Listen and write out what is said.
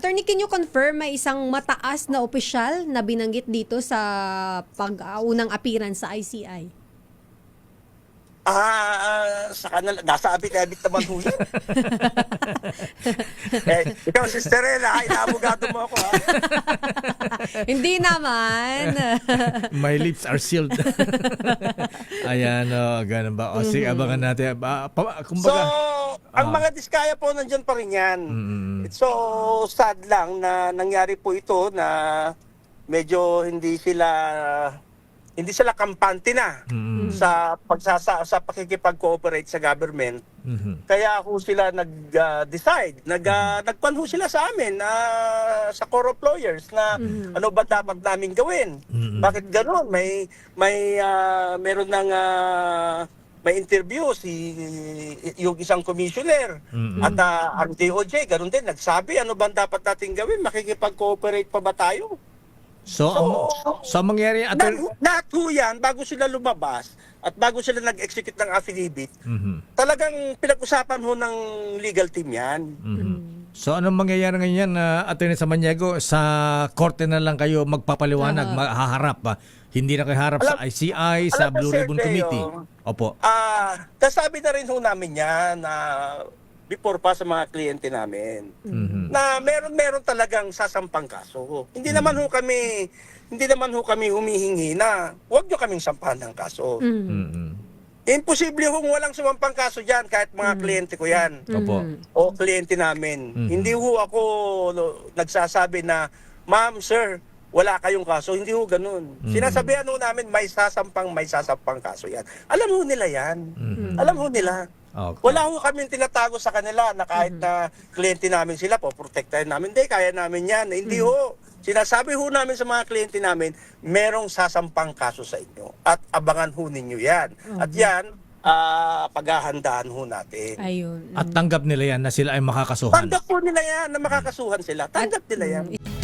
Attorney, can you confirm may isang mataas na opisyal na binanggit dito sa pag-unang appearance sa ICI? Sa kanila, nasa abit-abit naman ho yan. Ikaw, Sister Ella, inaabogado mo ako, ha? Hindi naman. My lips are sealed. Ayan, ganun ba? O, sige, abangan natin. So, ang mga diskaya po nandyan pa rin yan. So, sad lang na nangyari po ito na medyo hindi sila kampante na sa pakikipag-cooperate sa government. Kaya ho sila nag-decide, nagpan ho sila sa amin sa core of lawyers na ano ba dapat namin gawin? Bakit gano'n? Meron ng may interview yung isang commissioner at ang DOJ, gano'n din, nagsabi ano ba dapat natin gawin? Makikipag-cooperate pa ba tayo? So, ang mangyari, Lahat ho yan, bago sila lumabas at bago sila nag-execute ng affidavit, talagang pinag-usapan ho ng legal team yan. So, anong mangyayari ngayon, Attorney Samaniego? Sa korte na lang kayo magpapaliwanag, haharap. Hindi na kayo harap sa ICI, sa Blue Ribbon Committee. Opo. Kasabi na rin ho namin yan before pa sa mga kliyente namin na meron talagang sasampang kaso. Hindi naman ho kami humihingi na huwag nyo kaming sampahan ng kaso. Imposible kung walang sumampang kaso dyan kahit mga kliyente ko yan. Opo. O kliyente namin. Hindi ho ako nagsasabi na, ma'am, sir, wala kayong kaso. Hindi ho ganun. Sinasabihan ho namin may sasampang kaso yan. Alam ho nila yan. Alam ho nila. Okay. Wala ho kami tinatago sa kanila na kahit na kliyente namin sila, poprotektahin namin. Hindi, kaya namin yan. Hindi ho. Sinasabi ho namin sa mga kliyente namin, merong sasampang kaso sa inyo. At abangan ho ninyo yan. At yan, paghahandaan ho natin. Ayun. At tanggap nila yan na sila ay makakasuhan. Tanggap po nila yan na makakasuhan sila. Tanggap nila yan.